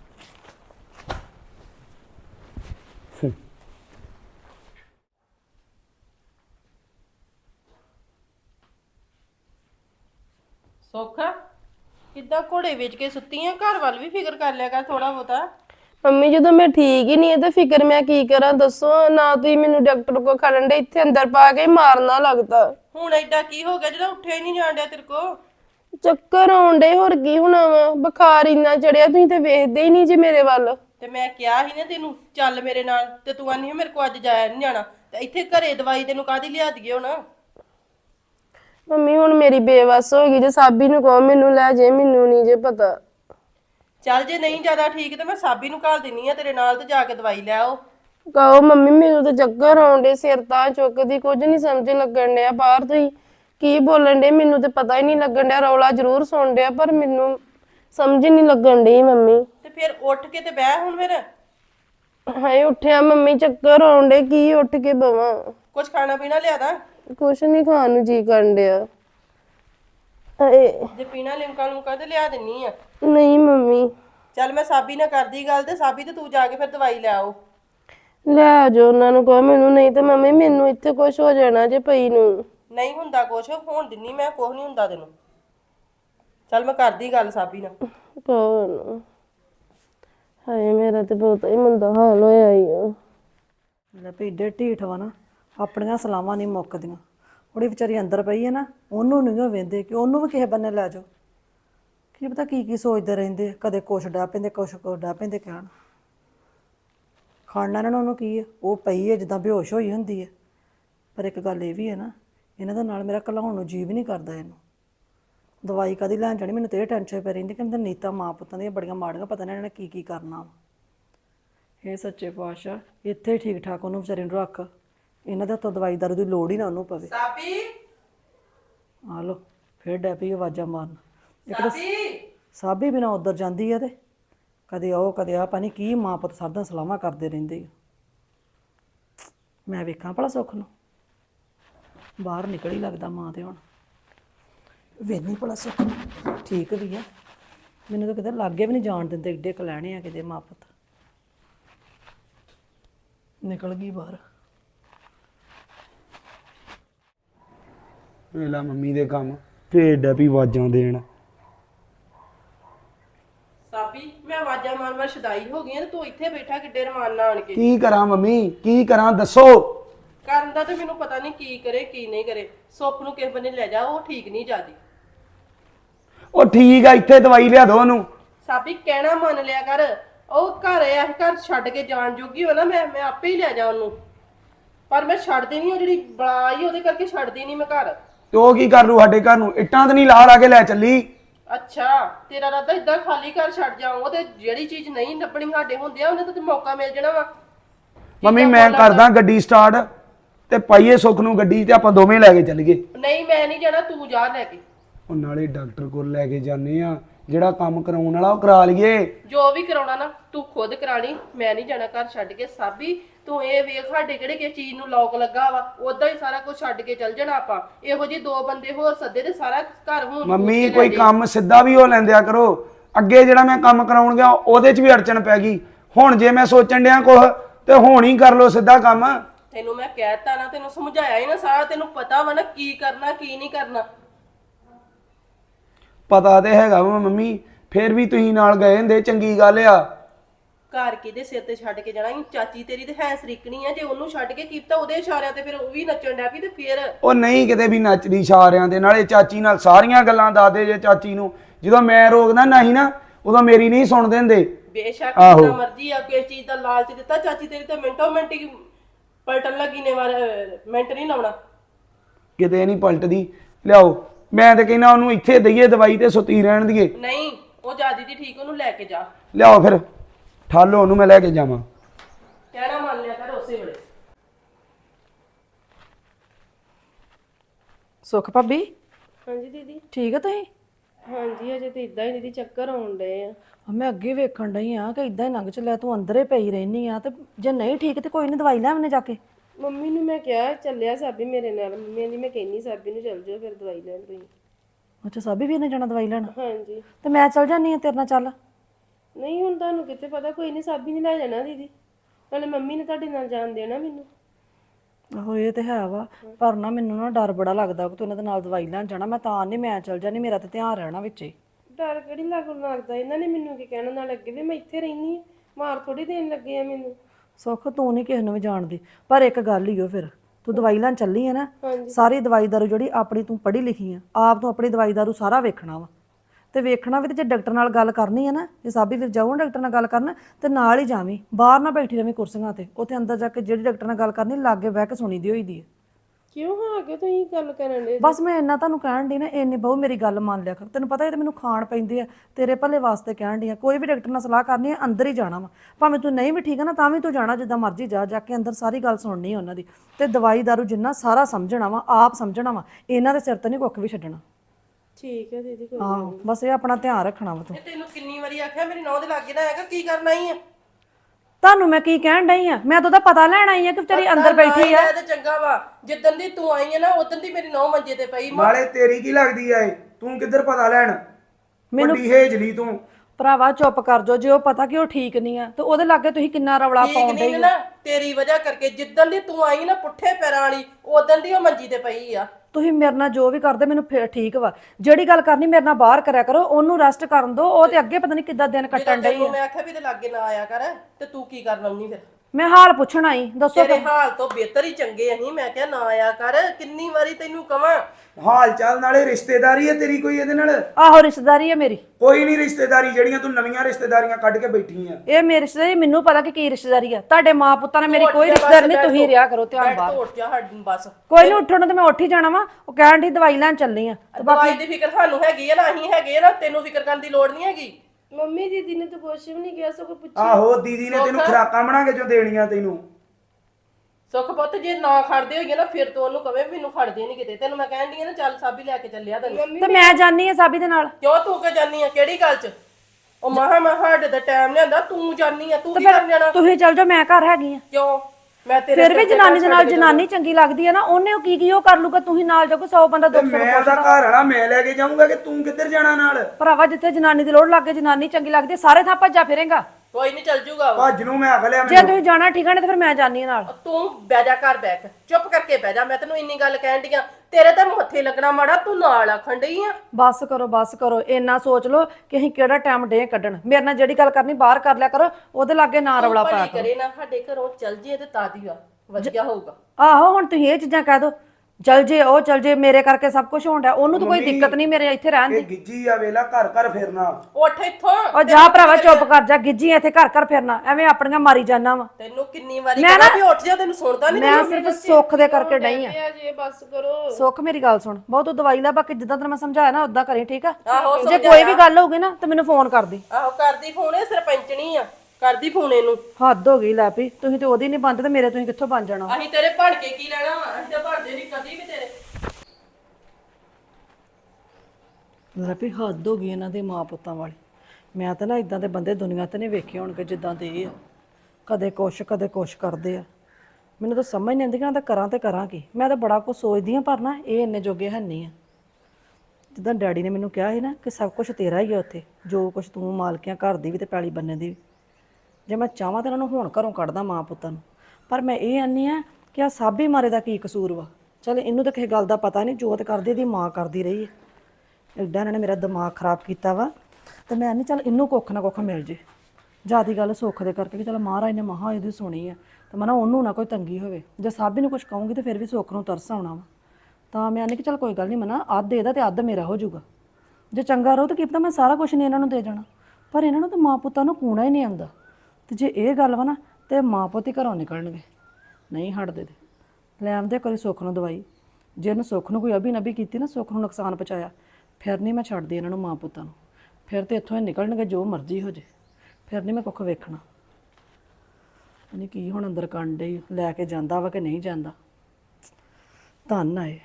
[SPEAKER 1] ਸੁੱਖ ਕਿੱਦਾਂ ਘੋੜੇ ਵੇਚ ਕੇ ਸੁੱਤੀ ਆ? ਘਰ ਵੱਲ ਵੀ ਫਿਕਰ ਕਰ ਲਿਆ ਕਰ ਥੋੜਾ ਬਹੁਤਾ।
[SPEAKER 4] ਮੰਮੀ ਜਦੋਂ ਮੈਂ ਠੀਕ ਹੀ ਨਹੀਂ ਹੈ ਤੇ ਫਿਕਰ ਮੈਂ ਕੀ ਕਰਾਂ ਦੱਸੋ? ਨਾ ਤੁਸੀਂ ਮੈਨੂੰ ਡਾਕਟਰ ਕੋਲ ਖੜਨ ਦੇ, ਇੱਥੇ ਅੰਦਰ ਪਾ ਕੇ ਮਾਰਨਾ ਲੱਗਦਾ।
[SPEAKER 1] ਹੁਣ ਐਡਾ ਕੀ ਹੋ ਗਿਆ ਜਿਹੜਾ ਉੱਠਿਆ ਹੀ ਨਹੀਂ ਜਾਣ ਡਿਆ ਤੇਰੇ ਕੋ?
[SPEAKER 4] ਚੱਕਰ ਆਉਣ ਡੇ, ਹੋਰ ਕੀ ਹੋਣਾ ਵਾ? ਬੁਖਾਰ ਇੰਨਾ ਚੜਿਆ, ਤੁਸੀਂ ਤੇ ਵੇਖਦੇ ਹੀ ਨਹੀਂ ਜੇ ਮੇਰੇ ਵੱਲ।
[SPEAKER 1] ਤੇ ਮੈਂ ਕਿਹਾ ਸੀ ਨਾ ਤੈਨੂੰ ਚੱਲ ਮੇਰੇ ਨਾਲ, ਤੇ ਤੂੰ ਆਨੀ ਮੇਰੇ ਕੋ ਅੱਜ ਜਾਇਆ ਨਹੀਂ ਜਾਣਾ। ਤੇ ਇੱਥੇ ਘਰੇ ਦਵਾਈ ਤੈਨੂੰ ਕਾਹਦੀ ਲਿਆ ਦਈਏ ਹੁਣ?
[SPEAKER 4] ਮੰਮੀ ਹੁਣ ਮੇਰੀ ਬੇਵੱਸ ਹੋ ਗਈ ਜੇ। ਸਾਬੀ ਨੂੰ ਕਹੋ ਮੈਨੂੰ ਲੈ ਜੇ, ਮੈਨੂੰ ਨਹੀਂ ਜੇ ਪਤਾ।
[SPEAKER 1] ਚੱਲ ਜੇ ਨਹੀਂ ਜ਼ਿਆਦਾ ਠੀਕ ਤੇ ਮੈਂ ਸਾਬੀ ਨੂੰ ਘੱਲ ਦਿੰਨੀ ਆ ਤੇਰੇ ਨਾਲ, ਤੇ ਜਾ ਕੇ ਦਵਾਈ ਲੈ ਆਓ।
[SPEAKER 4] ਕਹੋ ਮੰਮੀ ਮੈਨੂੰ ਤਾਂ ਚੱਕਰ ਆਉਣ ਡੇ, ਸਿਰ ਤਾਂ ਚੁੱਕਦੀ, ਕੁਝ ਨਹੀਂ ਸਮਝ ਲੱਗਣ ਡਿਆ। ਬਾਹਰ ਤੁਸੀਂ ਕੀ ਬੋਲਣ ਡੇ ਮੈਨੂੰ ਤੇ ਪਤਾ ਹੀ ਨਹੀਂ ਲੱਗਣ ਡਿਆ। ਰੌਲਾ ਜ਼ਰੂਰ ਸੁਣ ਡਿਆ ਪਰ ਮੈਨੂੰ ਸਮਝ ਨਹੀਂ ਲੱਗਣ ਡਈ ਮੰਮੀ।
[SPEAKER 1] ਤੇ ਫਿਰ ਉੱਠ ਕੇ ਤੇ ਬਹਿ ਹੁਣ ਫਿਰ।
[SPEAKER 4] ਹਾਏ ਉੱਠਿਆ ਮੰਮੀ, ਚੱਕਰ ਆਉਣ ਡੇ, ਕੀ ਉੱਠ ਕੇ ਬਵਾਂ?
[SPEAKER 1] ਕੁਝ ਖਾਣਾ ਪੀਣਾ ਲਿਆਦਾ?
[SPEAKER 4] ਕੁਛ ਨਹੀਂ ਖਾਣ ਨੂੰ ਜੀ ਕਰਨ ਡਿਆ। ਹਾਏ
[SPEAKER 1] ਜੇ ਪੀਣਾ ਲਿਮਕਾ ਲੁਮਕਾ ਤੇ ਲਿਆ ਦਿੰਨੀ ਆ।
[SPEAKER 4] ਨਹੀਂ ਮੰਮੀ।
[SPEAKER 1] ਚੱਲ ਮੈਂ ਸਾਬੀ ਨਾਲ ਕਰਦੀ ਗੱਲ, ਤੇ ਸਾਬੀ ਤੇ ਤੂੰ ਜਾ ਕੇ ਫਿਰ ਦਵਾਈ ਲੈ ਆਓ।
[SPEAKER 4] ਲੈ ਜਾਓ ਉਹਨਾਂ ਨੂੰ ਕਹੋ ਮੈਨੂੰ, ਨਹੀਂ ਤੇ ਮੰਮੀ ਮੈਨੂੰ ਇੱਥੇ ਕੁਛ ਹੋ ਜਾਣਾ ਜੇ ਪਈ ਨੂੰ।
[SPEAKER 1] ਨਹੀਂ ਹੁੰਦਾ ਕੁਛ, ਹੋਣ ਦਿੰਨੀ ਮੈਂ, ਕੁਛ ਨਹੀਂ ਹੁੰਦਾ ਤੈਨੂੰ। ਚੱਲ ਮੈਂ ਕਰਦੀ ਗੱਲ ਸਾਬੀ ਨਾਲ।
[SPEAKER 4] ਕਹੋ ਉਹਨੂੰ। ਹਾਏ ਮੇਰਾ ਤੇ ਬਹੁਤ ਹੀ ਮੰਦਾ ਹਾਲ ਹੋਇਆ ਈ ਆ।
[SPEAKER 3] ਲੈ ਭੇਡੇ ਢੀਠ ਵਾ ਨਾ, ਆਪਣੀਆਂ ਸਲਾਵਾਂ ਨਹੀਂ ਮੁੱਕਦੀਆਂ। ਉਹਦੀ ਵਿਚਾਰੀ ਅੰਦਰ ਪਈ ਹੈ ਨਾ, ਉਹਨੂੰ ਨਹੀਂ ਉਹ ਵੇਂਦੇ ਕਿ ਉਹਨੂੰ ਵੀ ਕਿਸੇ ਬੰਨੇ ਲੈ ਜਾਓ। ਕੀ ਪਤਾ ਕੀ ਕੀ ਸੋਚਦੇ ਰਹਿੰਦੇ ਆ, ਕਦੇ ਕੁਛ ਡਾ ਪੈਂਦੇ ਕੁਛ ਡਾ ਪੈਂਦੇ ਕਹਿਣ। ਖਾਣਾ ਇਹਨਾਂ ਨੂੰ ਉਹਨੂੰ ਕੀ ਹੈ, ਉਹ ਪਈ ਹੈ ਜਿੱਦਾਂ ਬੇਹੋਸ਼ ਹੋਈ ਹੁੰਦੀ ਹੈ। ਪਰ ਇੱਕ ਗੱਲ ਇਹ ਵੀ ਹੈ ਨਾ, ਇਹਨਾਂ ਦੇ ਨਾਲ ਮੇਰਾ ਘਲਾਉਣ ਨੂੰ ਜੀਅ ਵੀ ਨਹੀਂ ਕਰਦਾ ਇਹਨੂੰ। ਦਵਾਈ ਕਦੀ ਲੈਣ ਜਾਣੀ ਮੈਨੂੰ ਤੇ ਇਹ ਟੈਨਸ਼ਨ ਪੈ ਰਹਿੰਦੀ ਕਿ ਇਹਨਾਂ ਨੀਤਾਂ ਮਾਂ ਪੁੱਤਾਂ ਦੀਆਂ ਬੜੀਆਂ ਮਾੜੀਆਂ, ਪਤਾ ਨਹੀਂ ਇਹਨਾਂ ਨੇ ਕੀ ਕੀ ਕਰਨਾ ਵਾ। ਇਹ ਸੱਚੇ ਪਾਤਸ਼ਾਹ ਇੱਥੇ ਹੀ ਠੀਕ ਠਾਕ ਉਹਨੂੰ ਵਿਚਾਰੇ ਨੂੰ ਰੱਖ, ਇਹਨਾਂ ਦੇ ਹੱਥੋਂ ਦਵਾਈ ਦਾਰੂ ਦੀ ਲੋੜ ਹੀ ਨਾ ਉਹਨੂੰ ਪਵੇ।
[SPEAKER 1] ਸਾਬੀ
[SPEAKER 3] ਆ ਲੋ ਫਿਰ ਡੈ ਪਈ ਆਵਾਜ਼ਾਂ ਮਾਰਨ।
[SPEAKER 1] ਸਾਬੀ
[SPEAKER 3] ਸਾਬੀ ਬਿਨਾਂ ਉੱਧਰ ਜਾਂਦੀ ਆ ਤੇ ਕਦੇ ਉਹ ਕਦੇ ਆ ਪਾਣੀ ਕੀ ਮਾਂ ਪੁੱਤ ਸਭ ਦਾ ਸਲਾਹਾਂ ਕਰਦੇ ਰਹਿੰਦੇ ਆ। ਮੈਂ ਵੇਖਾਂ ਭਲਾ ਸੁੱਖ ਨੂੰ, ਬਾਹਰ ਨਿਕਲ ਹੀ ਲੱਗਦਾ ਮਾਂ ਤੇ ਹੁਣ। ਵੇਖਣੀ ਭਲਾ ਸੁੱਖ ਨੂੰ ਠੀਕ ਵੀ ਆ, ਮੈਨੂੰ ਤਾਂ ਕਿਤੇ ਲਾਗੇ ਵੀ ਨਹੀਂ ਜਾਣ ਦਿੰਦੇ, ਏਡੇ ਕਲੈਣੇ ਆ ਕਿਤੇ ਮਾਂ ਪੁੱਤ। ਨਿਕਲ ਗਈ ਬਾਹਰ।
[SPEAKER 2] ਵੇਲਾ ਮੰਮੀ ਦੇ ਕੰਮ ਫੇਰ ਡੈ ਪਈ ਆਵਾਜ਼ਾਂ ਦੇਣ।
[SPEAKER 1] ਸਾਬੀ ਮੈਂ ਆਵਾਜ਼ਾਂ ਮਾਰ ਸ਼ਦਾਈ ਹੋ ਗਈ ਆ ਤੇ ਤੂੰ ਇੱਥੇ ਬੈਠਾ ਕਿੱਡੇ ਰਮਾਨ ਨਾਲ ਆਣ ਕੇ।
[SPEAKER 2] ਕੀ ਕਰਾਂ ਮੰਮੀ, ਕੀ ਕਰਾਂ ਦੱਸੋ।
[SPEAKER 1] ਕਰਨ ਦਾ ਤੇ ਮੈਨੂੰ ਪਤਾ ਨਹੀਂ ਕੀ ਕਰੇ ਕੀ ਨਹੀਂ ਕਰੇ। ਸੁੱਖ ਨੂੰ ਕਿਸੇ ਬੰਨੇ ਲੈ ਜਾ, ਉਹ ਠੀਕ ਨਹੀਂ ਜਾਂਦੀ।
[SPEAKER 2] ਉਹ ਠੀਕ ਆ, ਇੱਥੇ ਦਵਾਈ ਲਿਆ ਦੋ ਉਹਨੂੰ।
[SPEAKER 1] ਸਾਬੀ ਕਹਿਣਾ ਮੰਨ ਲਿਆ ਕਰ, ਉਹ ਘਰ ਆ, ਘਰ ਛੱਡ ਕੇ ਜਾਣ ਜੋਗੀ ਹੋ ਨਾ, ਮੈਂ ਆਪੇ ਹੀ ਲੈ ਜਾ ਉਹਨੂੰ। ਪਰ ਮੈਂ ਛੱਡਦੀ ਨਹੀਂ, ਉਹ ਜਿਹੜੀ ਬਲਾਈ ਉਹਦੇ ਕਰਕੇ ਛੱਡਦੀ ਨਹੀਂ ਮੈਂ ਘਰ।
[SPEAKER 2] ਤੇ ਉਹ ਕੀ ਕਰ ਲੂ ਸਾਡੇ ਘਰ ਨੂੰ, ਇੱਟਾਂ ਤੇ ਨਹੀਂ ਲਾ ਕੇ ਲੈ ਚੱਲੀ।
[SPEAKER 1] ਅੱਛਾ ਤੇਰਾ ਰਾਦਾ ਇਦਾਂ ਖਾਲੀ ਘਰ ਛੱਡ ਜਾਉਂ, ਉਹ ਤੇ ਜਿਹੜੀ ਚੀਜ਼ ਨਹੀਂ ਲੱਭਣੀ ਸਾਡੇ ਹੁੰਦੇ ਆ, ਉਹਨੇ ਤਾਂ ਮੌਕਾ ਮਿਲ ਜਾਣਾ ਵਾ।
[SPEAKER 2] ਮੰਮੀ ਮੈਂ ਕਰਦਾ ਗੱਡੀ ਸਟਾਰਟ ਤੇ ਪਾਈਏ ਸੁੱਖ ਨੂੰ ਗੱਡੀ ਤੇ ਆਪਾਂ ਦੋਵੇਂ ਲੈ ਕੇ ਚੱਲੀਏ।
[SPEAKER 1] ਨਹੀਂ ਮੈਂ ਨਹੀਂ ਜਾਣਾ, ਤੂੰ ਜਾ ਲੈ ਕੇ।
[SPEAKER 2] ਉਹ ਨਾਲੇ ਡਾਕਟਰ ਕੋਲ ਲੈ ਕੇ ਜਾਂਦੇ ਆ, ਜਿਹੜਾ ਕੰਮ ਕਰਾਉਣ ਵਾਲਾ ਉਹ ਕਰਾ ਲਈਏ।
[SPEAKER 1] ਜੋ ਵੀ ਕਰਾਉਣਾ ਨਾ ਤੂੰ ਖੁਦ ਕਰਾ ਲਈ, ਮੈਂ ਨਹੀਂ ਜਾਣਾ ਘਰ ਛੱਡ ਕੇ। ਸਾਬੀ ਤੂੰ ਇਹ ਵੇਖ ਸਾਡੇ ਕਿਹੜੇ ਕਿਸ ਚੀਜ਼ ਨੂੰ ਲੋਕ ਲੱਗਾ ਵਾ, ਉਦਾਂ ਹੀ ਸਾਰਾ ਕੁਝ ਛੱਡ ਕੇ ਚੱਲ ਜਾਣਾ ਆਪਾਂ। ਇਹੋ ਜਿਹੇ ਦੋ ਬੰਦੇ ਹੋਰ ਸੱਦੇ ਤੇ ਸਾਰਾ ਘਰ ਹੁਣ
[SPEAKER 2] ਮੰਮੀ ਕੋਈ ਕੰਮ ਸਿੱਧਾ ਵੀ ਹੋ ਲੈਂਦਿਆ ਕਰੋ। ਅੱਗੇ ਜਿਹੜਾ ਮੈਂ ਕੰਮ ਕਰਾਉਣ ਗਿਆ ਉਹਦੇ 'ਚ ਵੀ ਅੜਚਣ ਪੈ ਗਈ। ਹੁਣ ਜੇ ਮੈਂ ਸੋਚਣ ਡਿਆ ਕੁਛ ਤੇ ਹੁਣ ਹੀ ਕਰ ਲੋ ਸਿੱਧਾ ਕੰਮ।
[SPEAKER 1] ਤੈਨੂੰ ਮੈਂ ਕਹਿਤਾ ਨਾ, ਤੈਨੂੰ ਸਮਝਾਇਆ ਹੀ ਨਾ ਸਾਰਾ, ਤੈਨੂੰ ਪਤਾ ਵਾ ਨਾ ਕੀ ਕਰਨਾ ਕੀ ਨਹੀਂ ਕਰਨਾ।
[SPEAKER 2] ਪਤਾ ਤੇ ਹੈਗਾ ਵਾ ਮੰਮੀ, ਫੇਰ ਵੀ ਤੁਸੀਂ ਨਾਲ ਗਏ ਹੁੰਦੇ ਚੰਗੀ ਗੱਲ ਆ।
[SPEAKER 1] ਘਰ ਕਿਹਦੇ ਸਿਰ ਤੇ ਛੱਡ ਕੇ ਜਾਣਾ? ਚਾਚੀ ਤੇਰੀ ਤੇ ਹੈ ਸਰੀਕਣੀ ਆ, ਜੇ ਉਹਨੂੰ ਛੱਡ ਕੇ ਕੀਤਾ ਉਹਦੇ ਇਸ਼ਾਰਿਆਂ ਤੇ ਫਿਰ ਉਹ ਵੀ ਨੱਚਣ ਡਿਆ ਪਈ ਤੇ ਫਿਰ
[SPEAKER 2] ਉਹ ਨਹੀਂ ਕਿਤੇ ਵੀ ਨੱਚਦੀ ਇਸ਼ਾਰਿਆਂ ਦੇ ਨਾਲੇ ਚਾਚੀ ਨਾਲ ਸਾਰੀਆਂ ਗੱਲਾਂ ਦੱਸਦੇ ਜੇ ਚਾਚੀ ਨੂੰ। ਜਦੋਂ ਮੈਂ ਰੋਕਦਾ ਨਹੀਂ ਨਾ ਉਦੋਂ ਮੇਰੀ ਨਹੀਂ ਸੁਣਦੇ ਹੁੰਦੇ।
[SPEAKER 1] ਬੇਸ਼ੱਕ ਜਿੰਨਾ ਮਰਜ਼ੀ ਆ, ਕਿਸ ਚੀਜ਼ ਦਾ ਲਾਲਚ ਦਿੱਤਾ ਚਾਚੀ ਤੇਰੀ ਤੇ ਮਿੰਟੋ ਮਿੰਟ ਹੀ ਪਲਟਣ ਲੱਗੀ ਨੇ, ਵਾਰ ਮਿੰਟ ਨਹੀਂ ਲਾਉਣਾ।
[SPEAKER 2] ਕਿਤੇ ਨਹੀਂ ਪਲਟਦੀ। ਲਿਆਓ ਮੈਂ ਤੇ ਕਹਿੰਦਾ ਉਹਨੂੰ ਇੱਥੇ ਦਈਏ ਦਵਾਈ ਤੇ ਸੁੱਤੀ ਰਹਿਣ ਦੀਏ।
[SPEAKER 1] ਨਹੀਂ ਉਹ ਜਿਆਦੀ ਦੀ ਠੀਕ, ਉਹਨੂੰ ਲੈ ਕੇ ਜਾ।
[SPEAKER 2] ਲਿਆਓ ਫਿਰ ਠਾਲੋ ਉਹਨੂੰ, ਮੈਂ ਲੈ ਕੇ ਜਾਵਾਂ।
[SPEAKER 1] ਕਹਿਣਾ ਮੰਨ ਲਿਆ ਕਰ ਉਸੇ ਵੇਲੇ।
[SPEAKER 3] ਸੁੱਖ ਭਾਬੀ
[SPEAKER 4] ਹਾਂਜੀ ਦੀਦੀ।
[SPEAKER 3] ਠੀਕ ਆ ਤੁਸੀਂ?
[SPEAKER 4] ਹਾਂਜੀ ਅਜੇ ਤੇ ਇਦਾਂ ਹੀ ਦੀਦੀ ਚੱਕਰ ਆਉਣ ਡਏ ਆ।
[SPEAKER 3] ਮੈਂ ਅੱਗੇ ਵੇਖਣ ਡਈ ਆ ਕਿ ਇਦਾਂ ਹੀ ਲੰਘ ਚੱਲਿਆ, ਤੂੰ ਅੰਦਰੇ ਪਈ ਰਹਿਨੀ ਆ। ਤੇ ਜੇ ਨਹੀਂ ਠੀਕ ਤੇ ਕੋਈ ਨਹੀਂ ਦਵਾਈ ਲੈ ਆਵਨੇ ਜਾ ਕੇ।
[SPEAKER 4] ਮੰਮੀ ਨੂੰ ਮੈਂ ਕਿਹਾ ਚੱਲਿਆ ਸਾਬੀ ਮੇਰੇ ਨਾਲ, ਮੰਮੀ ਕਹਿੰਦੀ ਮੈਂ ਕਹਿੰਨੀ ਸਾਬੀ ਨੂੰ ਚੱਲ ਜਾਓ ਫਿਰ ਦਵਾਈ ਲੈਣ ਤੁਸੀਂ।
[SPEAKER 3] ਅੱਛਾ ਸਾਬੀ ਵੀ ਨੇ ਜਾਣਾ ਦਵਾਈ ਲੈਣ?
[SPEAKER 4] ਹਾਂਜੀ।
[SPEAKER 3] ਤੇ ਮੈਂ ਚੱਲ ਜਾਨੀ ਆ ਤੇਰੇ ਨਾਲ, ਚੱਲ।
[SPEAKER 4] ਨਹੀਂ ਹੁਣ ਤੁਹਾਨੂੰ ਕਿੱਥੇ ਪਤਾ, ਕੋਈ ਨਹੀਂ ਸਾਬੀ ਨੇ ਲੈ ਜਾਣਾ ਦੀਦੀ, ਨਾਲੇ ਮੰਮੀ ਨੇ ਤੁਹਾਡੇ ਨਾਲ ਜਾਣ ਦੇਣਾ ਮੈਨੂੰ।
[SPEAKER 3] ਆਹੋ ਇਹ ਤੇ ਹੈ ਵਾ, ਪਰ ਨਾ ਮੈਨੂੰ ਨਾ ਡਰ ਬੜਾ ਲੱਗਦਾ ਕਿ ਤੂੰ ਇਹਨਾਂ ਦੇ ਨਾਲ ਦਵਾਈ ਲੈਣ ਜਾਣਾ। ਮੈਂ ਤਾਂ ਨਹੀਂ, ਮੈਂ ਚੱਲ ਜਾਨੀ, ਮੇਰਾ ਤੇ ਧਿਆਨ ਰਹਿਣਾ ਵਿੱਚੇ।
[SPEAKER 4] ਡਰ ਕਿਹੜੀ ਲੱਗਦਾ, ਇਹਨਾਂ ਨੇ ਮੈਨੂੰ ਕੀ ਕਹਿਣਾ, ਨਾਲ ਅੱਗੇ ਵੀ ਮੈਂ ਇੱਥੇ ਰਹਿਨੀ ਆ, ਮਾਰ ਥੋੜੀ ਦੇਣ ਲੱਗੇ ਆ ਮੈਨੂੰ।
[SPEAKER 3] ਸੁੱਖ ਤੂੰ ਨਹੀਂ ਕਿਸੇ ਨੂੰ ਵੀ ਜਾਣਦੀ, ਪਰ ਇੱਕ ਗੱਲ ਹੀ ਓ, ਫਿਰ ਤੂੰ ਦਵਾਈ ਲੈਣ ਚੱਲੀ ਆ ਨਾ, ਸਾਰੀ ਦਵਾਈ ਦਾਰੂ ਜਿਹੜੀ ਆਪਣੀ ਤੂੰ ਪੜ੍ਹੀ ਲਿਖੀ ਆ, ਆਪ ਤੂੰ ਆਪਣੀ ਦਵਾਈ ਦਾਰੂ ਸਾਰਾ ਵੇਖਣਾ ਵਾ। ਤੇ ਵੇਖਣਾ ਵੀ ਤੇ ਜੇ ਡਾਕਟਰ ਨਾਲ ਗੱਲ ਕਰਨੀ ਹੈ ਨਾ, ਜੇ ਸਾਬੀ ਫਿਰ ਜਾਊਂ ਡਾਕਟਰ ਨਾਲ ਗੱਲ ਕਰਨ, ਤੇ ਨਾਲ ਹੀ ਜਾਵੀਂ, ਬਾਹਰ ਨਾ ਬੈਠੀ ਰਵੀਂ ਕੁਰਸੀਆਂ ਤੇ। ਉੱਥੇ ਅੰਦਰ ਜਾ ਕੇ ਜਿਹੜੀ ਡਾਕਟਰ ਨਾਲ ਗੱਲ ਕਰਨੀ ਲਾਗੇ ਬਹਿ ਕੇ ਸੁਣੀ ਦੀ ਹੋਈ ਦੀ ਹੈ।
[SPEAKER 4] ਕਿਉਂ ਹਾਂ ਅੱਗੇ ਤੁਸੀਂ ਗੱਲ ਕਰਨ ਦੇ?
[SPEAKER 3] ਬਸ ਮੈਂ ਇੰਨਾ ਤੁਹਾਨੂੰ ਕਹਿਣ ਦੀ ਨਾ, ਇੰਨੀ ਬਹੁ ਮੇਰੀ ਗੱਲ ਮੰਨ ਲਿਆ ਕਰ। ਤੈਨੂੰ ਪਤਾ ਇਹ ਤੇ ਮੈਨੂੰ ਖਾਣ ਪੈਂਦੇ ਆ, ਤੇਰੇ ਭਲੇ ਵਾਸਤੇ ਕਹਿਣ ਦੀ ਆ। ਕੋਈ ਵੀ ਡਾਕਟਰ ਨਾਲ ਸਲਾਹ ਕਰਨੀ ਹੈ ਅੰਦਰ ਹੀ ਜਾਣਾ ਵਾ, ਭਾਵੇਂ ਤੂੰ ਨਹੀਂ ਵੀ ਠੀਕ ਹੈ ਨਾ ਤਾਂ ਵੀ ਤੂੰ ਜਾਣਾ, ਜਿੱਦਾਂ ਮਰਜ਼ੀ ਜਾ, ਜਾ ਕੇ ਅੰਦਰ ਸਾਰੀ ਗੱਲ ਸੁਣਨੀ ਹੈ ਉਹਨਾਂ ਦੀ। ਤੇ ਦਵਾਈ ਦਾਰੂ ਜਿੰਨਾ ਸਾਰਾ ਸਮਝਣਾ ਵਾ, ਆਪ ਸਮਝਣਾ ਵਾ, ਇਹਨਾਂ ਦੇ ਸਿਰ ਤੇ ਨਹੀਂ ਕੁੱਖ ਵੀ ਛੱਡਣਾ।
[SPEAKER 4] ਠੀਕ ਹੈ ਦੀਦੀ। ਕੋਈ
[SPEAKER 3] ਹਾਂ ਬਸ ਇਹ ਆਪਣਾ ਧਿਆਨ ਰੱਖਣਾ ਵਾ ਤੂੰ।
[SPEAKER 1] ਤੈਨੂੰ ਕਿੰਨੀ ਵਾਰੀ ਆਖਿਆ ਮੇਰੀ ਨੌਂ ਦੇ ਲਾਗੇ ਨਾ ਹੈਗਾ, ਕੀ ਕਰਨਾ ਹੀ ਆ?
[SPEAKER 3] ਤੁਹਾਨੂੰ ਮੈਂ ਕੀ ਕਹਿਣ ਡਈ ਆ? ਮੈਂ ਤਾਂ ਉਹਦਾ ਪਤਾ ਲੈਣ ਆਈ ਆ ਕਿ ਵਿਚਾਰੀ ਅੰਦਰ ਬੈਠੀ ਆ।
[SPEAKER 1] ਤੇ ਚੰਗਾ ਵਾ, ਜਿੱਦਣ ਦੀ ਤੂੰ ਆਈ ਹੈ ਨਾ ਉਦੋਂ ਦੀ ਮੇਰੀ ਨੌਂ ਮੰਜੇ ਤੇ ਪਈ।
[SPEAKER 2] ਨਾਲੇ ਤੇਰੀ ਕੀ ਲੱਗਦੀ ਐ, ਤੂੰ ਕਿੱਧਰ ਪਤਾ ਲੈਣ? ਵੱਡੀ ਹੇਜਲੀ ਤੂੰ।
[SPEAKER 3] ਭਰਾਵਾ ਚੁੱਪ ਕਰ ਜੋ, ਜੇ ਉਹ ਪਤਾ ਕਿ ਉਹ ਠੀਕ ਨਹੀਂ ਆ ਤੇ ਉਹਦੇ ਲਾਗੇ ਤੁਸੀਂ ਕਿੰਨਾ ਰੌਲਾ ਪਾਉਂਦੇ
[SPEAKER 1] ਨਹੀਂ ਨਾ ਤੇਰੀ ਵਜ੍ਹਾ ਕਰਕੇ, ਜਿੱਦਣ ਦੀ ਤੂੰ ਆਈ ਨਾ ਪੁੱਠੇ ਪੈਰਾਂ ਵਾਲੀ, ਉਦੋਂ ਦੀ ਉਹ ਮੰਜੀ ਤੇ ਪਈ ਆ।
[SPEAKER 3] ਤੁਸੀਂ ਮੇਰੇ ਨਾਲ ਜੋ ਵੀ ਕਰਦੇ ਮੈਨੂੰ ਠੀਕ ਵਾ। ਜਿਹੜੀ ਗੱਲ ਕਰਨੀ ਮੇਰੇ ਨਾਲ ਬਾਹਰ ਕਰਿਆ ਕਰੋ, ਉਹਨੂੰ ਰੈਸਟ ਕਰਨ ਦਿਓ। ਉਹ ਤੇ ਅੱਗੇ ਪਤਾ ਨਹੀਂ ਕਿੱਦਾਂ ਦਿਨ ਕੱਟਣ ਡਈ ਆ।
[SPEAKER 1] ਮੈਂ ਆਖਿਆ ਵੀ ਤੇ ਲਾਗੇ ਨਾ ਆਇਆ ਕਰ, ਤੇ ਤੂੰ ਕੀ ਕਰਨ ਆਉਣੀ ਫਿਰ?
[SPEAKER 3] ਮੈਂ ਹਾਲ ਪੁੱਛਣ ਆਈ, ਦੱਸੋ।
[SPEAKER 1] ਤੇਰੇ ਹਾਲ ਤੋਂ ਬਿਹਤਰ ਹੀ ਚੰਗੇ ਅਸੀਂ। ਮੈਂ ਕਿਹਾ ਨਾ ਆਇਆ ਕਰ, ਕਿੰਨੀ ਵਾਰੀ ਤੈਨੂੰ ਕਵਾਂ।
[SPEAKER 2] ਹਾਲ ਚਾਲ ਨਾਲੇ ਰਿਸ਼ਤੇਦਾਰੀ ਹੈ ਤੇਰੀ ਕੋਈ ਇਹਦੇ ਨਾਲ?
[SPEAKER 3] ਆਹੋ ਰਿਸ਼ਤੇਦਾਰੀ ਹੈ ਮੇਰੀ।
[SPEAKER 2] ਕੋਈ ਨਹੀਂ ਰਿਸ਼ਤੇਦਾਰੀ, ਜਿਹੜੀਆਂ ਤੂੰ ਨਵੀਆਂ ਰਿਸ਼ਤੇਦਾਰੀਆਂ ਕੱਢ ਕੇ ਬੈਠੀ ਆ।
[SPEAKER 3] ਇਹ ਮੇਰੀ ਰਿਸ਼ਤੇਦਾਰੀ, ਮੈਨੂੰ ਪਤਾ ਕਿ ਕੀ ਰਿਸ਼ਤੇਦਾਰੀ ਆ। ਤੁਹਾਡੇ ਮਾਂ ਪੁੱਤਾਂ ਨੇ ਮੇਰੀ ਕੋਈ ਰਿਸ਼ਤੇਦਾਰੀ ਨਹੀਂ, ਤੁਸੀਂ ਰਿਹਾ ਕਰੋ ਧਿਆਨ
[SPEAKER 1] ਬੈਠ
[SPEAKER 3] ਬਾਹਰ।
[SPEAKER 1] ਤੋੜ ਜਾ ਹੱਡ ਬਸ।
[SPEAKER 3] ਕੋਈ ਨਹੀਂ, ਉੱਠਣ ਨੂੰ ਤੇ ਮੈਂ ਉੱਠ ਹੀ ਜਾਣਾ ਵਾ। ਉਹ ਕਹਿਣ ਦੀ ਦਵਾਈ ਲੈਣ ਚੱਲਣੀ ਆ।
[SPEAKER 1] ਦਵਾਈ ਦੀ ਫਿਕਰ ਸਾਨੂੰ ਹੈਗੀ ਆ ਨਾ, ਅਸੀਂ ਹੈਗੇ ਆ ਨਾ, ਤੈਨੂੰ ਫਿਕਰ ਕਰਨ ਦੀ ਲੋੜ ਨਹੀਂ ਹੈਗੀ।
[SPEAKER 4] ਮੰਮੀ ਦੀਦੀ ਨੇ ਤਾਂ ਕੁਛ ਵੀ ਨਹੀਂ ਕਿਹਾ, ਸਗੋਂ ਪੁੱਛ
[SPEAKER 2] ਆਹੋ ਦੀਦੀ ਨੇ ਤੈਨੂੰ ਖੁਰਾਕਾਂ ਬਣਾ ਕੇ ਜੋ ਦੇਣੀਆਂ ਤੈਨੂੰ।
[SPEAKER 1] ਸੁੱਖ ਪੁੱਤ ਜੇ ਨਾ ਖੜਦੇ ਹੋਈਏ ਨਾ ਫਿਰ ਤੋਂ ਉਹਨੂੰ ਕਵੇ ਮੈਨੂੰ ਖੜਦੇ ਨਹੀਂ ਕਿਤੇ। ਤੈਨੂੰ ਮੈਂ ਕਹਿਣ ਦੀ ਆ ਨਾ, ਚੱਲ ਸਾਬੀ ਲੈ ਕੇ ਚੱਲਿਆ ਤੈਨੂੰ।
[SPEAKER 3] ਤੇ ਮੈਂ ਜਾਣੀ ਆ ਸਾਬੀ ਦੇ ਨਾਲ।
[SPEAKER 1] ਕਿਉਂ ਤੂੰ ਕਿ ਜਾਨੀ ਆ? ਕਿਹੜੀ ਗੱਲ 'ਚ? ਉਹ ਮਹਾ ਸਾਡੇ ਦਾ ਟਾਈਮ ਲਿਆਂਦਾ, ਤੂੰ ਜਾਨੀ ਆ, ਤੂੰ ਕੀ ਕਰਨ ਜਾਣਾ?
[SPEAKER 3] ਤੁਸੀਂ ਚੱਲ ਜਾਓ, ਮੈਂ ਘਰ ਹੈਗੀ ਆ।
[SPEAKER 1] ਕਿਉਂ? ਮੈਂ ਤੇਰੇ
[SPEAKER 3] ਫਿਰ ਵੀ
[SPEAKER 1] ਸਿਰ ਤੇ
[SPEAKER 3] ਜਨਾਨੀ ਦੇ ਨਾਲ
[SPEAKER 1] ਛੱਡ ਕੇ
[SPEAKER 3] ਜਨਾਨੀ ਚੰਗੀ ਲੱਗਦੀ ਹੈ ਨਾ। ਉਹਨੇ ਉਹ ਕੀ ਉਹ ਕਰ ਲੂਗਾ। ਤੁਸੀਂ ਨਾਲ ਜਾਓਗੇ 100 ਬੰਦਾ 200
[SPEAKER 2] ਮੈਂ ਉਹਦਾ ਘਰ ਵਾਲਾ ਮੈਂ ਲੈ ਕੇ ਜਾਊਂਗਾ ਕਿ ਤੂੰ ਕਿੱਧਰ ਜਾਣਾ ਨਾਲ?
[SPEAKER 3] ਭਰਾਵਾ, ਜਿੱਥੇ ਜਨਾਨੀ ਦੀ ਲੋੜ ਲੱਗੇ, ਜਨਾਨੀ ਚੰਗੀ ਲੱਗਦੀ ਹੈ, ਸਾਰੇ ਥਾਂ ਭੱਜਾ ਫਿਰੇਗਾ।
[SPEAKER 1] ਕੋਈ ਨਹੀਂ ਚੱਲ ਜੂਗਾ ਉਹ।
[SPEAKER 2] ਭੱਜ ਨੂੰ ਮੈਂ ਆਖ ਲਿਆ
[SPEAKER 3] ਜੇ ਤੁਸੀਂ ਜਾਣਾ ਠੀਕ ਹੈ, ਤੇ ਫਿਰ ਮੈਂ ਜਾਣੀ ਆ ਨਾਲ।
[SPEAKER 1] ਤੂੰ ਬਹਿ ਜਾ ਘਰ ਬੈਠ, ਚੁੱਪ ਕਰਕੇ ਬਹਿ ਜਾ। ਮੈਂ ਤੈਨੂੰ ਇੰਨੀ ਗੱਲ ਕਹਿਣ ਡਈ ਆ, ਤੇਰੇ ਤੇ ਮੱਥੇ ਲੱਗਣਾ ਮਾੜਾ, ਤੂੰ ਨਾਲ ਆਖਣ ਡਈ ਆ।
[SPEAKER 3] ਬਸ ਕਰੋ ਬਸ ਕਰੋ, ਇੰਨਾ ਸੋਚ ਲਓ ਕਿ ਅਸੀਂ ਕਿਹੜਾ ਟਾਈਮ ਡੇ ਕੱਢਣ। ਮੇਰੇ ਨਾਲ ਜਿਹੜੀ ਗੱਲ ਕਰਨੀ ਬਾਹਰ ਕਰ ਲਿਆ ਕਰੋ, ਉਹਦੇ ਲਾਗੇ ਨਾ ਰੌਲਾ ਪਾਇਆ ਕਰੋ।
[SPEAKER 1] ਕਰੇ ਨਾ ਸਾਡੇ ਘਰੋਂ ਚੱਲ ਜੇ ਤੇ ਤਾਦੀਆ ਵਧੀਆ ਹੋਊਗਾ।
[SPEAKER 3] ਆਹੋ, ਹੁਣ ਤੁਸੀਂ ਇਹ ਚੀਜ਼ਾਂ ਕਹਿ ਦੋ, ਚਲ ਜੇ ਉਹ ਚਲ ਜੇ, ਮੇਰੇ ਕਰਕੇ ਸਭ ਕੁਝ ਹੋਣ ਡਿਆ। ਉਹਨੂੰ ਤਾਂ ਕੋਈ ਦਿੱਕਤ ਨਹੀਂ ਮੇਰੇ ਇੱਥੇ ਰਹਿਣ
[SPEAKER 2] ਇਹ
[SPEAKER 3] ਦੀ।
[SPEAKER 2] ਗਿੱਜੀ ਆ ਵੇਲਾ ਘਰ ਘਰ ਫਿਰਨਾ।
[SPEAKER 1] ਉੱਠ ਇੱਥੋਂ।
[SPEAKER 3] ਉਹ ਜਾ ਭਰਾਵਾ, ਚੁੱਪ ਕਰ ਜਾ। ਗਿੱਜੀ ਇੱਥੇ ਘਰ ਘਰ ਫਿਰਨਾ, ਐਵੇਂ ਆਪਣੀਆਂ ਮਾਰੀ ਜਾਣਾ ਵਾ।
[SPEAKER 1] ਤੈਨੂੰ ਕਿੰਨੀ ਵਾਰੀ ਕਹਾਂ ਵੀ ਉੱਠ ਜਾ, ਤੈਨੂੰ ਸੁਣਦਾ ਨਹੀਂ?
[SPEAKER 3] ਮੈਂ ਸਿਰਫ ਸੁੱਖ ਦੇ ਕਰਕੇ ਡਈ ਆ।
[SPEAKER 4] ਜੇ ਬਸ ਕਰੋ।
[SPEAKER 3] ਸੁੱਖ ਮੇਰੀ ਗੱਲ ਸੁਣ, ਬਹੁਤ ਦਵਾਈ ਲੈ, ਬਾਕੀ ਜਿੱਦਾਂ ਤੈਨੂੰ ਮੈਂ ਸਮਝਾਇਆ ਨਾ ਉਦਾਂ ਕਰੀ, ਠੀਕ ਆ?
[SPEAKER 1] ਆਹੋ
[SPEAKER 3] ਜੇ ਕੋਈ ਵੀ ਗੱਲ ਹੋਊਗੀ ਨਾ ਤੇ ਮੈਨੂੰ ਫੋਨ ਕਰ ਦੀ।
[SPEAKER 1] ਆਹੋ ਕਰਦੀ ਫੋਨ, ਇਹ ਸਰਪੰਚਣੀ ਆ, ਕਰਦੀ ਫੋਨ ਇਹਨੂੰ।
[SPEAKER 3] ਹੱਦ ਹੋ ਗਈ ਲੈ ਪਈ, ਤੁਸੀਂ ਤੇ ਉਹਦੀ ਨਹੀਂ ਬੰਦ ਤੇ ਮੇਰੇ ਤੁਸੀਂ ਕਿੱਥੋਂ ਬਣ ਜਾਣਾ?
[SPEAKER 1] ਅਸੀਂ ਤੇਰੇ ਭੜ ਕੇ ਕੀ ਲੈਣਾ ਵਾ? ਅਸੀਂ ਤਾਂ ਭੜਦੇ ਨਹੀਂ ਕਦੀ ਵੀ ਤੇਰੇ।
[SPEAKER 3] ਲੈ ਪਈ, ਹੱਦ ਹੋ ਗਈ ਇਹਨਾਂ ਦੇ ਮਾਂ ਪੁੱਤਾਂ ਵਾਲੀ। ਮੈਂ ਤਾਂ ਨਾ ਇਦਾਂ ਦੇ ਬੰਦੇ ਦੁਨੀਆ ਤੇ ਨਹੀਂ ਵੇਖੇ ਹੋਣਗੇ ਜਿੱਦਾਂ ਦੇ ਇਹ ਆ। ਕਦੇ ਕੁਛ ਕਰਦੇ ਆ। ਮੈਨੂੰ ਤਾਂ ਸਮਝ ਨਹੀਂ ਆਉਂਦੀ ਕਿ ਇਹਨਾਂ ਦਾ ਕਰਾਂ ਤੇ ਕਰਾਂ ਕੀ। ਮੈਂ ਤਾਂ ਬੜਾ ਕੁਝ ਸੋਚਦੀ ਆ, ਪਰ ਨਾ ਇਹ ਇੰਨੇ ਜੋਗੇ ਹੈ ਨਹੀਂ ਆ। ਜਿੱਦਾਂ ਡੈਡੀ ਨੇ ਮੈਨੂੰ ਕਿਹਾ ਸੀ ਨਾ ਕਿ ਸਭ ਕੁਝ ਤੇਰਾ ਹੀ ਆ ਉੱਥੇ, ਜੋ ਕੁਝ ਤੂੰ ਮਾਲਕਿਆਂ ਘਰ ਦੀ ਵੀ ਤੇ ਪੈਲੀ ਬੰਨੇ ਦੀ ਵੀ। ਜੇ ਮੈਂ ਚਾਹਾਂ ਤਾਂ ਇਹਨਾਂ ਨੂੰ ਹੁਣ ਘਰੋਂ ਕੱਢਦਾ ਮਾਂ ਪੁੱਤਾਂ ਨੂੰ, ਪਰ ਮੈਂ ਇਹ ਆਨੀ ਆ ਕਿ ਆ ਸਾਬੀ ਮਾਰੇ ਦਾ ਕੀ ਕਸੂਰ ਵਾ। ਚੱਲ ਇਹਨੂੰ ਤਾਂ ਕਿਸੇ ਗੱਲ ਦਾ ਪਤਾ ਨਹੀਂ, ਜੋ ਤੇ ਕਰਦੀ ਇਹਦੀ ਮਾਂ ਕਰਦੀ ਰਹੀ ਹੈ। ਇੱਦਾਂ ਇਹਨਾਂ ਨੇ ਮੇਰਾ ਦਿਮਾਗ ਖਰਾਬ ਕੀਤਾ ਵਾ। ਤੇ ਮੈਂ ਨਹੀਂ, ਚੱਲ ਇਹਨੂੰ ਕੁੱਖ ਨਾ ਕੁੱਖ ਮਿਲ ਜੇ। ਜ਼ਿਆਦੀ ਗੱਲ ਸੁੱਖ ਦੇ ਕਰਕੇ ਕਿ ਚੱਲ ਮਹਾਰਾਜ ਨੇ ਮਹਾ ਇਹਦੀ ਸੁਣੀ ਆ, ਤੇ ਮੈਂ ਨਾ ਉਹਨੂੰ ਨਾ ਕੋਈ ਤੰਗੀ ਹੋਵੇ। ਜੇ ਸਾਬੀ ਨੂੰ ਕੁਝ ਕਹੂੰਗੀ ਤੇ ਫਿਰ ਵੀ ਸੁੱਖ ਨੂੰ ਤਰਸ ਆਉਣਾ ਵਾ। ਤਾਂ ਮੈਂ ਆਨੀ ਕਿ ਚੱਲ ਕੋਈ ਗੱਲ ਨਹੀਂ, ਮਨਾ ਅੱਧ ਇਹਦਾ ਤੇ ਅੱਧ ਮੇਰਾ ਹੋ ਜਾਊਗਾ। ਜੇ ਚੰਗਾ ਰਹੋ ਤਾਂ ਕੀ ਪਤਾ ਮੈਂ ਸਾਰਾ ਕੁਝ ਨਹੀਂ ਇਹਨਾਂ ਨੂੰ ਦੇ ਜਾਣਾ। ਪਰ ਇਹਨਾਂ ਨੂੰ ਤਾਂ ਮਾਂ ਪੁੱਤਾਂ ਨੂੰ ਕੂਣਾ ਹੀ ਨਹੀਂ ਆਉਂਦਾ। ਤੇ ਜੇ ਇਹ ਗੱਲ ਵਾ ਨਾ ਤੇ ਮਾਂ ਪੁੱਤ ਹੀ ਘਰੋਂ ਨਿਕਲਣਗੇ, ਨਹੀਂ ਹਟਦੇ। ਤੇ ਲੈ ਆਉਂਦੇ ਕਰੀ ਸੁੱਖ ਨੂੰ ਦਵਾਈ। ਜੇ ਇਹਨੂੰ ਸੁੱਖ ਨੂੰ ਕੋਈ ਅਭੀ ਨਬੀ ਕੀਤੀ ਨਾ, ਸੁੱਖ ਨੂੰ ਨੁਕਸਾਨ ਪਹੁੰਚਾਇਆ, ਫਿਰ ਨਹੀਂ ਮੈਂ ਛੱਡਦੀ ਇਹਨਾਂ ਨੂੰ ਮਾਂ ਪੁੱਤਾਂ ਨੂੰ। ਫਿਰ ਤੇ ਇੱਥੋਂ ਹੀ ਨਿਕਲਣਗੇ, ਜੋ ਮਰਜ਼ੀ ਹੋ ਜੇ। ਫਿਰ ਨਹੀਂ ਮੈਂ ਕੁੱਖ ਵੇਖਣਾ। ਨਹੀਂ ਕੀ ਹੁਣ ਅੰਦਰ ਕੰਡੇ ਲੈ ਕੇ ਜਾਂਦਾ ਵਾ ਕਿ ਨਹੀਂ ਜਾਂਦਾ। ਧੰਨ ਆਏ।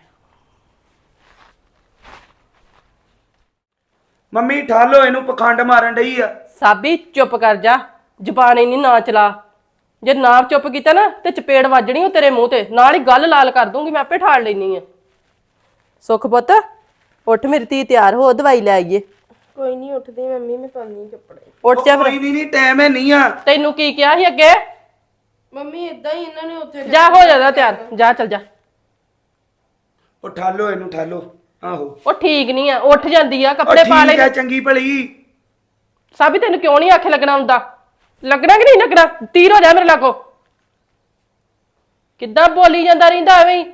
[SPEAKER 2] ਮੰਮੀ ਠਾਲੋ ਇਹਨੂੰ, ਪਖੰਡ ਮਾਰਨ ਡਈ ਆ।
[SPEAKER 1] ਸਾਬੀ ਚੁੱਪ ਕਰ ਜਾ, ਜ਼ਬਾਨ ਇੰਨੀ ਨਾ ਚਲਾ। ਜੇ ਨਾ ਚੁੱਪ ਕੀਤਾ ਨਾ ਤੇ ਚਪੇੜ ਵੱਜਣੀ ਉਹ ਤੇਰੇ ਮੂੰਹ ਤੇ, ਨਾਲ ਹੀ ਗੱਲ ਲਾਲ ਕਰ ਦੂੰਗੀ। ਮੈਂ ਆਪੇ ਠਾਲ ਲੈਣੀ ਆ। ਸੁੱਖ ਪੁੱਤ ਉੱਠ, ਮੇਰੀ ਧੀ ਤਿਆਰ ਹੋ, ਦਵਾਈ ਲੈ ਆਈਏ।
[SPEAKER 4] ਕੋਈ ਨਹੀਂ ਉੱਠਦੀ ਮੰਮੀ, ਮੈਂ ਪਾਣੀ ਕੱਪੜੇ।
[SPEAKER 1] ਉੱਠ ਜਾ ਫਿਰ।
[SPEAKER 2] ਕੋਈ ਨਹੀਂ, ਟਾਈਮ ਹੈ ਨਹੀਂ ਆ।
[SPEAKER 1] ਤੈਨੂੰ ਕੀ ਕਿਹਾ ਸੀ ਅੱਗੇ?
[SPEAKER 4] ਮੰਮੀ ਇਦਾਂ ਹੀ ਇਹਨਾਂ ਨੇ ਉੱਥੇ
[SPEAKER 1] ਜਾ ਹੋ ਜਾਂਦਾ ਤਿਆਰ, ਜਾ ਚੱਲ ਜਾ।
[SPEAKER 2] ਉਹ ਠਾਲੋ ਇਹਨੂੰ, ਠਾਲੋ। ਆਹੋ
[SPEAKER 1] ਉਹ ਠੀਕ ਨਹੀਂ ਆ, ਉੱਠ ਜਾਂਦੀ ਆ, ਕੱਪੜੇ ਪਾ ਲੈ।
[SPEAKER 2] ਠੀਕ ਹੈ, ਚੰਗੀ ਭਲੀ।
[SPEAKER 1] ਸਾਬੀ ਤੈਨੂੰ ਕਿਉਂ ਨਹੀਂ ਆਖੇ ਲੱਗਣਾ ਹੁੰਦਾ? ਲੱਗਣਾ ਕਿ ਨਹੀਂ ਲੱਗਣਾ? ਤੀਰ ਹੋ ਜਾ ਮੇਰੇ ਲਾਗੋ। ਕਿੱਦਾਂ ਬੋਲੀ ਜਾਂਦਾ ਰਹਿੰਦਾ ਐਵੇਂ ਹੀ।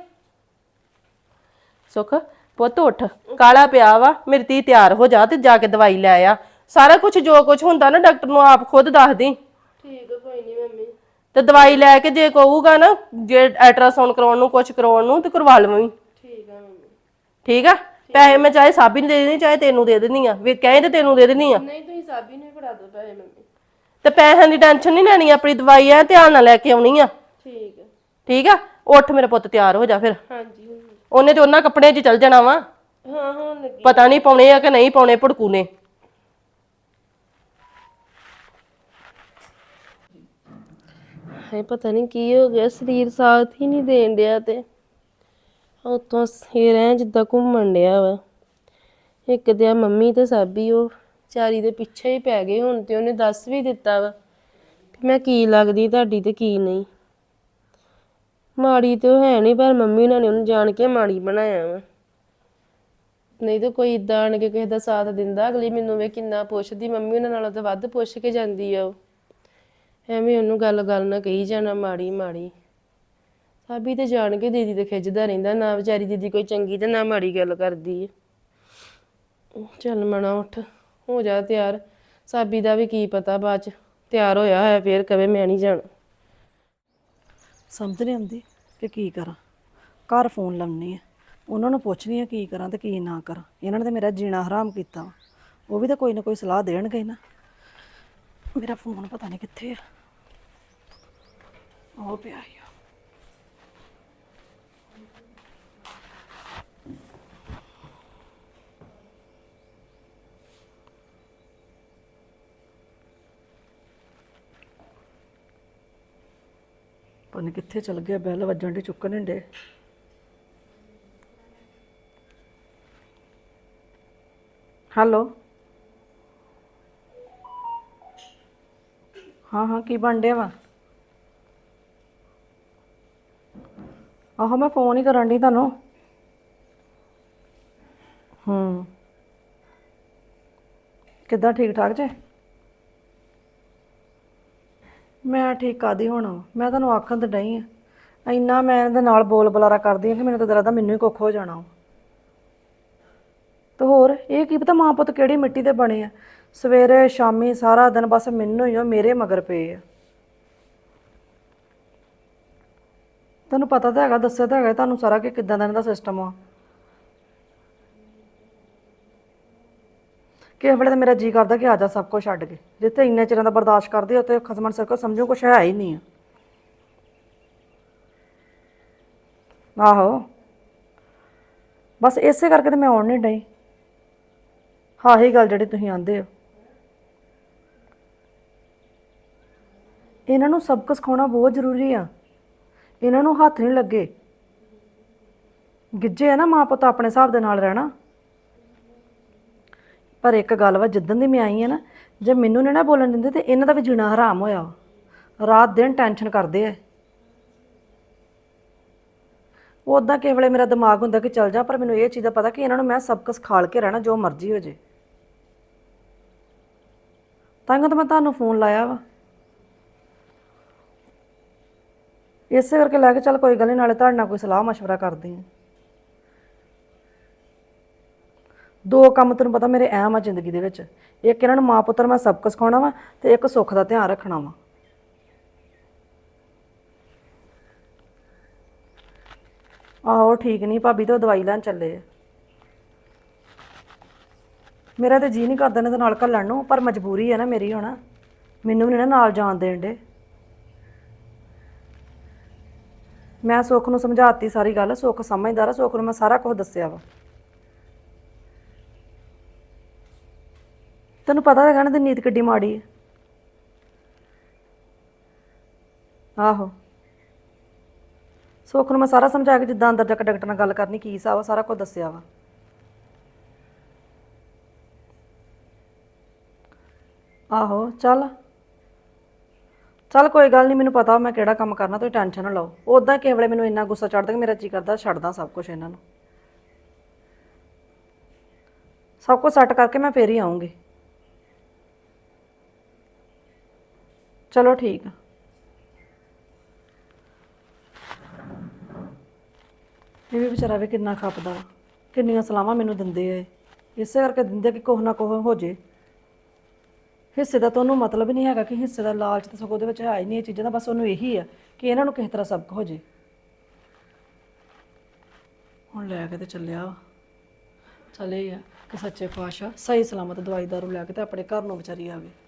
[SPEAKER 1] ਸੁੱਖ ਪੁੱਤ ਉੱਠ, ਕਾਲਾ ਪਿਆ ਵਾ। ਮੇਰੀ ਧੀ ਤਿਆਰ ਹੋ ਜਾ ਤੇ ਜਾ ਕੇ ਦਵਾਈ ਲੈ ਆ। ਸਾਰਾ ਕੁਝ ਜੋ ਕੁਝ ਹੁੰਦਾ ਨਾ ਡਾਕਟਰ ਨੂੰ ਆਪ ਖੁਦ ਦੱਸ ਦੀ।
[SPEAKER 4] ਠੀਕ ਹੈ, ਕੋਈ ਨਹੀਂ ਮੰਮੀ।
[SPEAKER 1] ਤੇ ਦਵਾਈ ਲੈ ਕੇ ਜੇ ਕਹੂਗਾ ਨਾ ਜੇ ਅਲਟਰਾਸਾਊਂਡ ਕਰਾਉਣ ਨੂੰ, ਕੁਝ ਕਰਾਉਣ ਨੂੰ, ਤੇ ਕਰਵਾ ਲਵਾਂ।
[SPEAKER 4] ਠੀਕ ਹੈ ਮੰਮੀ।
[SPEAKER 1] ਠੀਕ ਆ? ਪੈਸੇ ਮੈਂ ਚਾਹੇ ਸਾਬੀ ਨੂੰ ਦੇ ਦੇਣੀ, ਚਾਹੇ ਤੈਨੂੰ ਦੇ ਦੇਣੀ ਆ। ਵੀ ਕਹੇ ਤੇ ਤੈਨੂੰ ਦੇ ਦੇਣੀ ਆ।
[SPEAKER 4] ਨਹੀਂ ਤੁਸੀਂ ਸਾਬੀ ਨੂੰ ਹੀ ਫੜਾ ਦਿਓ ਪੈਸੇ ਮੰਮੀ।
[SPEAKER 1] ਤੇ ਪੈਸਿਆਂ ਦੀ ਟੈਨਸ਼ਨ ਨਹੀਂ ਲੈਣੀ, ਆਪਣੀ ਦਵਾਈ ਆ ਧਿਆਨ ਨਾਲ ਲੈ ਕੇ ਆਉਣੀ ਆ।
[SPEAKER 4] ਠੀਕ ਹੈ।
[SPEAKER 1] ਠੀਕ ਆ? ਉੱਠ ਮੇਰੇ ਪੁੱਤ, ਤਿਆਰ ਹੋ ਜਾ ਫਿਰ।
[SPEAKER 4] ਹਾਂਜੀ ਮੰਮੀ।
[SPEAKER 1] ਉਹਨੇ ਤੇ ਉਹਨਾਂ ਕੱਪੜਿਆਂ 'ਚ ਚੱਲ ਜਾਣਾ ਵਾ।
[SPEAKER 4] ਹਾਂ ਹੋਣ ਲੱਗੀ।
[SPEAKER 1] ਪਤਾ ਨਹੀਂ ਪਾਉਣੇ ਆ ਕਿ ਨਹੀਂ ਪਾਉਣੇ ਭੜਕੂ ਨੇ।
[SPEAKER 4] ਹੈ ਪਤਾ ਨਹੀਂ ਕੀ ਹੋ ਗਿਆ, ਸਰੀਰ ਸਾਥ ਹੀ ਨਹੀਂ ਦੇਣ ਡਿਆ। ਤੇ ਉਤੋਂ ਸਿਰ ਐ ਜਿੱਦਾਂ ਘੁੰਮਣ ਡਿਆ ਵਾ। ਇੱਕ ਤੇ ਆ ਮੰਮੀ ਤੇ ਸਾਬੀ ਉਹ ਚਾਰੀ ਦੇ ਪਿੱਛੇ ਹੀ ਪੈ ਗਏ ਹੁਣ। ਤੇ ਉਹਨੇ ਦੱਸ ਵੀ ਦਿੱਤਾ ਵਾ ਕਿ ਮੈਂ ਕੀ ਲੱਗਦੀ ਤੁਹਾਡੀ ਤੇ ਕੀ ਨਹੀਂ। ਮਾੜੀ ਤੇ ਉਹ ਹੈ ਨਹੀਂ, ਪਰ ਮੰਮੀ ਉਹਨਾਂ ਨੇ ਉਹਨੂੰ ਜਾਣ ਕੇ ਮਾੜੀ ਬਣਾਇਆ ਵਾ। ਨਹੀਂ ਤਾਂ ਕੋਈ ਇਦਾਂ ਆਣ ਕੇ ਕਿਸੇ ਦਾ ਸਾਥ ਦਿੰਦਾ। ਅਗਲੀ ਮੈਨੂੰ ਵੇ ਕਿੰਨਾ ਪੁੱਛਦੀ, ਮੰਮੀ ਉਹਨਾਂ ਨਾਲੋਂ ਤਾਂ ਵੱਧ ਪੁੱਛ ਕੇ ਜਾਂਦੀ ਆ ਉਹ। ਐਵੇਂ ਉਹਨੂੰ ਗੱਲ ਨਾ ਕਹੀ ਜਾਣਾ ਮਾੜੀ ਮਾੜੀ। ਸਾਬੀ ਤੇ ਜਾਣ ਕੇ ਦੀਦੀ ਤੇ ਖਿੱਚਦਾ ਰਹਿੰਦਾ, ਨਾ ਵਿਚਾਰੀ ਦੀਦੀ ਕੋਈ ਚੰਗੀ ਤੇ ਨਾ ਮਾੜੀ ਗੱਲ ਕਰਦੀ ਏ। ਚੱਲ ਮਣਾ ਉੱਠ, ਹੋ ਜਾ ਤਿਆਰ। ਸਾਬੀ ਦਾ ਵੀ ਕੀ ਪਤਾ ਬਾਅਦ ਚ ਤਿਆਰ ਹੋਇਆ ਹੋਇਆ ਫੇਰ ਕਵੇ ਮੈਂ ਨਹੀਂ ਜਾਣਾ।
[SPEAKER 3] ਸਮਝ ਨਹੀਂ ਆਉਂਦੀ ਕਿ ਕੀ ਕਰਾਂ। ਘਰ ਫੋਨ ਲਾਉਣੀ ਆ, ਉਹਨਾਂ ਨੂੰ ਪੁੱਛਣੀ ਆ ਕੀ ਕਰਾਂ ਤੇ ਕੀ ਨਾ ਕਰਾਂ। ਇਹਨਾਂ ਨੇ ਤਾਂ ਮੇਰਾ ਜੀਣਾ ਹਰਾਮ ਕੀਤਾ ਵਾ। ਉਹ ਵੀ ਤਾਂ ਕੋਈ ਨਾ ਕੋਈ ਸਲਾਹ ਦੇਣਗੇ ਨਾ। ਮੇਰਾ ਫੋਨ ਪਤਾ ਨਹੀਂ ਕਿੱਥੇ ਆ, ਉਹ ਪਿਆ ਹੀ ਆ। ਪਤਾ ਨਹੀਂ ਕਿੱਥੇ ਚਲ ਗਿਆ, ਬੈਲ ਵੱਜਣ ਦੀ ਚੁੱਕਣ ਨਹੀਂ ਡੇ। ਹੈਲੋ, ਹਾਂ ਕੀ ਬਣ ਡਿਆ ਵਾ? ਆਹੋ ਮੈਂ ਫੋਨ ਹੀ ਕਰਨ ਡਈ ਤੁਹਾਨੂੰ। ਕਿੱਦਾਂ, ਠੀਕ ਠਾਕ ਜੇ? ਮੈਂ ਠੀਕ ਕਾਹਦੀ ਹੋਣਾ, ਮੈਂ ਤੁਹਾਨੂੰ ਆਖਣ ਤੇ ਡਈ ਆ। ਇੰਨਾ ਮੈਂ ਇਹਦੇ ਨਾਲ ਬੋਲ ਬੁਲਾਰਾ ਕਰਦੀ ਆ ਕਿ ਮੈਨੂੰ ਤਾਂ ਲੱਗਦਾ ਮੈਨੂੰ ਹੀ ਕੁੱਖ ਹੋ ਜਾਣਾ। ਤੇ ਹੋਰ ਇਹ ਕੀ ਪਤਾ ਮਾਂ ਪੁੱਤ ਕਿਹੜੀ ਮਿੱਟੀ ਦੇ ਬਣੇ ਆ। ਸਵੇਰੇ ਸ਼ਾਮੀ ਸਾਰਾ ਦਿਨ ਬਸ ਮੈਨੂੰ ਹੀ ਉਹ ਮੇਰੇ ਮਗਰ ਪਏ ਆ। ਤੁਹਾਨੂੰ ਪਤਾ ਤਾਂ ਹੈਗਾ, ਦੱਸਿਆ ਤਾਂ ਹੈਗਾ ਤੁਹਾਨੂੰ ਸਾਰਾ ਕਿ ਕਿੱਦਾਂ ਦਾ ਇਹਨਾਂ ਦਾ ਸਿਸਟਮ ਆ। ਕਿਸੇ ਵੇਲੇ ਤਾਂ ਮੇਰਾ ਜੀ ਕਰਦਾ ਕਿ ਆ ਜਾ ਸਭ ਕੁਝ ਛੱਡ ਕੇ। ਜਿੱਥੇ ਇੰਨੇ ਚਿਰਾਂ ਦਾ ਬਰਦਾਸ਼ਤ ਕਰਦੇ ਉੱਥੇ ਖਸਮਣ ਸਿਰ ਕੋ ਸਮਝੋ ਕੁਛ ਹੈ ਹੀ ਨਹੀਂ ਆ। ਆਹੋ ਬਸ ਇਸੇ ਕਰਕੇ ਤਾਂ ਮੈਂ ਆਉਣ ਨਹੀਂ ਡਈ। ਹਾਂ ਹੀ ਗੱਲ ਜਿਹੜੀ ਤੁਸੀਂ ਆਂਦੇ ਹੋ। ਇਹਨਾਂ ਨੂੰ ਸਬਕ ਸਿਖਾਉਣਾ ਬਹੁਤ ਜ਼ਰੂਰੀ ਆ। ਇਹਨਾਂ ਨੂੰ ਹੱਥ ਨਹੀਂ ਲੱਗੇ। ਗਿੱਜੇ ਆ ਨਾ ਮਾਂ ਪੁੱਤ ਆਪਣੇ ਹਿਸਾਬ ਦੇ ਨਾਲ ਰਹਿਣਾ। ਪਰ ਇੱਕ ਗੱਲ ਵਾ, ਜਿੱਦਣ ਦੀ ਮੈਂ ਆਈ ਆ ਨਾ, ਜੇ ਮੈਨੂੰ ਨਹੀਂ ਨਾ ਬੋਲਣ ਦਿੰਦੇ ਤੇ ਇਹਨਾਂ ਦਾ ਵੀ ਜੀਣਾ ਹਰਾਮ ਹੋਇਆ ਵਾ। ਰਾਤ ਦਿਨ ਟੈਨਸ਼ਨ ਕਰਦੇ ਆ। ਉੱਦਾਂ ਕਿਸੇ ਵੇਲੇ ਮੇਰਾ ਦਿਮਾਗ ਹੁੰਦਾ ਕਿ ਚੱਲ ਜਾ, ਪਰ ਮੈਨੂੰ ਇਹ ਚੀਜ਼ ਦਾ ਪਤਾ ਕਿ ਇਹਨਾਂ ਨੂੰ ਮੈਂ ਸਬਕ ਸਿਖਾਲ ਕੇ ਰਹਿਣਾ, ਜੋ ਮਰਜ਼ੀ ਹੋ ਜੇ। ਤਾਂ ਮੈਂ ਤੁਹਾਨੂੰ ਫੋਨ ਲਾਇਆ ਵਾ, ਇਸੇ ਕਰਕੇ ਲੈ ਕੇ ਚੱਲ ਕੋਈ ਗੱਲ ਨਹੀਂ, ਨਾਲੇ ਤੁਹਾਡੇ ਨਾਲ ਕੋਈ ਸਲਾਹ ਮਸ਼ਵਰਾ ਕਰਦੀ ਹਾਂ। ਦੋ ਕੰਮ ਤੈਨੂੰ ਪਤਾ ਮੇਰੇ ਅਹਿਮ ਆ ਜ਼ਿੰਦਗੀ ਦੇ ਵਿੱਚ। ਇੱਕ ਇਹਨਾਂ ਨੂੰ ਮਾਂ ਪੁੱਤਰ ਮੈਂ ਸਬਕ ਸਿਖਾਉਣਾ ਵਾ ਤੇ ਇੱਕ ਸੁੱਖ ਦਾ ਧਿਆਨ ਰੱਖਣਾ ਵਾ। ਆਹੋ ਠੀਕ ਨਹੀਂ ਭਾਬੀ, ਤੇ ਉਹ ਦਵਾਈ ਲੈਣ ਚੱਲੇ ਆ। ਮੇਰਾ ਤਾਂ ਜੀਅ ਨਹੀਂ ਕਰਦਾ ਇਹਨਾਂ ਦੇ ਨਾਲ ਘੱਲਣ ਨੂੰ, ਪਰ ਮਜਬੂਰੀ ਹੈ ਨਾ ਮੇਰੀ। ਹੁਣ ਮੈਨੂੰ ਵੀ ਨਹੀਂ ਨਾ ਨਾਲ ਜਾਣ ਦੇਣ ਡੇ। ਮੈਂ ਸੁੱਖ ਨੂੰ ਸਮਝਾਤੀ ਸਾਰੀ ਗੱਲ। ਸੁੱਖ ਸਮਝਦਾਰ ਆ, ਸੁੱਖ ਨੂੰ ਮੈਂ ਸਾਰਾ ਕੁਝ ਦੱਸਿਆ ਵਾ। ਤੈਨੂੰ ਪਤਾ ਹੈਗਾ ਨਾ ਦੀ ਨੀਤ ਕਿੱਡੀ ਮਾੜੀ ਹੈ। ਆਹੋ ਸੁੱਖ ਨੂੰ ਮੈਂ ਸਾਰਾ ਸਮਝਾ ਕੇ ਜਿੱਦਾਂ ਅੰਦਰ ਜਾ ਕੇ ਡਾਕਟਰ ਨਾਲ ਗੱਲ ਕਰਨੀ ਕੀ ਹਿਸਾਬ ਆ, ਸਾਰਾ ਕੁਝ ਦੱਸਿਆ ਵਾ। ਆਹੋ ਚੱਲ ਕੋਈ ਗੱਲ ਨਹੀਂ, ਮੈਨੂੰ ਪਤਾ ਮੈਂ ਕਿਹੜਾ ਕੰਮ ਕਰਨਾ, ਤੁਸੀਂ ਟੈਨਸ਼ਨ ਨਾ ਲਓ। ਉੱਦਾਂ ਕਿਸੇ ਵੇਲੇ ਮੈਨੂੰ ਇੰਨਾ ਗੁੱਸਾ ਚੜਦਾ ਕਿ ਮੇਰਾ ਜੀ ਕਰਦਾ ਛੱਡਦਾ ਸਭ ਕੁਝ ਇਹਨਾਂ ਨੂੰ। ਸਭ ਕੁਝ ਸੈੱਟ ਕਰਕੇ ਮੈਂ ਫੇਰ ਹੀ ਆਊਂਗੀ। ਚਲੋ ਠੀਕ ਆ। ਇਹ ਵੀ ਵਿਚਾਰਾ ਵੀ ਕਿੰਨਾ ਖਪਦਾ ਵਾ, ਕਿੰਨੀਆਂ ਸਲਾਹਾਂ ਮੈਨੂੰ ਦਿੰਦੇ ਆ। ਇਸੇ ਕਰਕੇ ਦਿੰਦੇ ਕਿ ਕੁਛ ਨਾ ਕੁਛ ਹੋ ਜੇ। ਹਿੱਸੇ ਦਾ ਤਾਂ ਉਹਨੂੰ ਮਤਲਬ ਨਹੀਂ ਹੈਗਾ, ਕਿ ਹਿੱਸੇ ਦਾ ਲਾਲਚ ਤਾਂ ਸਗੋਂ ਉਹਦੇ ਵਿੱਚ ਹੈ ਹੀ ਨਹੀਂ ਇਹ ਚੀਜ਼ਾਂ ਦਾ। ਬਸ ਉਹਨੂੰ ਇਹੀ ਆ ਕਿ ਇਹਨਾਂ ਨੂੰ ਕਿਸੇ ਤਰ੍ਹਾਂ ਸਬਕ ਹੋ ਜੇ। ਹੁਣ ਲੈ ਕੇ ਤੇ ਚੱਲਿਆ ਵਾ। ਚੱਲੇ ਆ ਕਿ ਸੱਚੇ ਪਾਤਸ਼ਾਹ ਸਹੀ ਸਲਾਮਤ ਦਵਾਈ ਦਾਰੂ ਲੈ ਕੇ ਤੇ ਆਪਣੇ ਘਰ ਨੂੰ ਵਿਚਾਰੀ ਆਵੇ।